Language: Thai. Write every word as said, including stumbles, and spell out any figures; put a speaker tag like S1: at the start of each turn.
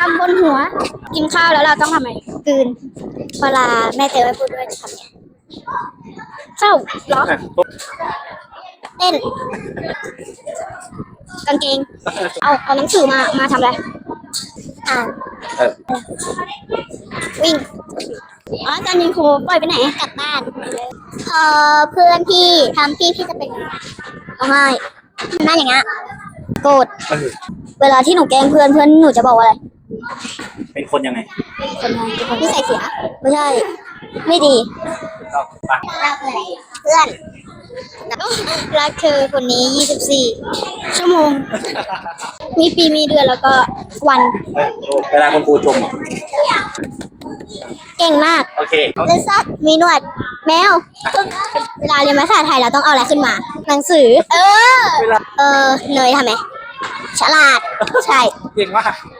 S1: ำบนหัว กินข้าวแล้วเราต้องทำไงกลืนเวลาแม่เตือนไม่พูดด้วยจะทำไงเศร้าเหรอเต้นกางเกงเอาเอาหนังสือมามาทำอะไรอ่านวิ่งอ๋ออาจารย์ยิงครูปล่อยไปไหนกลับบ้านเออเพื่อนพี่ทำพี่พี่จะเป็นร้องไห้หน้าอย่างเงี้ยโกรธเวลาที่หนูแกล้งเพื่อนเพื่อนหนูจะบอกว่าอะไร
S2: เป็นคนยังไง
S1: คนยังไงเป็นคนที่ใส่เสียไม่ใช่ไม่ดีรักอะไรเพื่อนรักเธอคนนี้ยี่สิบสี่ชั่วโมงมีปีมีเดือนแล้วก็วัน
S2: เวลาคุณครูชม
S1: เก่งมาก
S2: โอเค
S1: เลซักมีหนวดแมวเวลาเรียนภาษาไทยเราต้องเอาอะไรขึ้นมาหนังสือเออเออเนยทำไหมฉลาดใช่
S2: เก่งมาก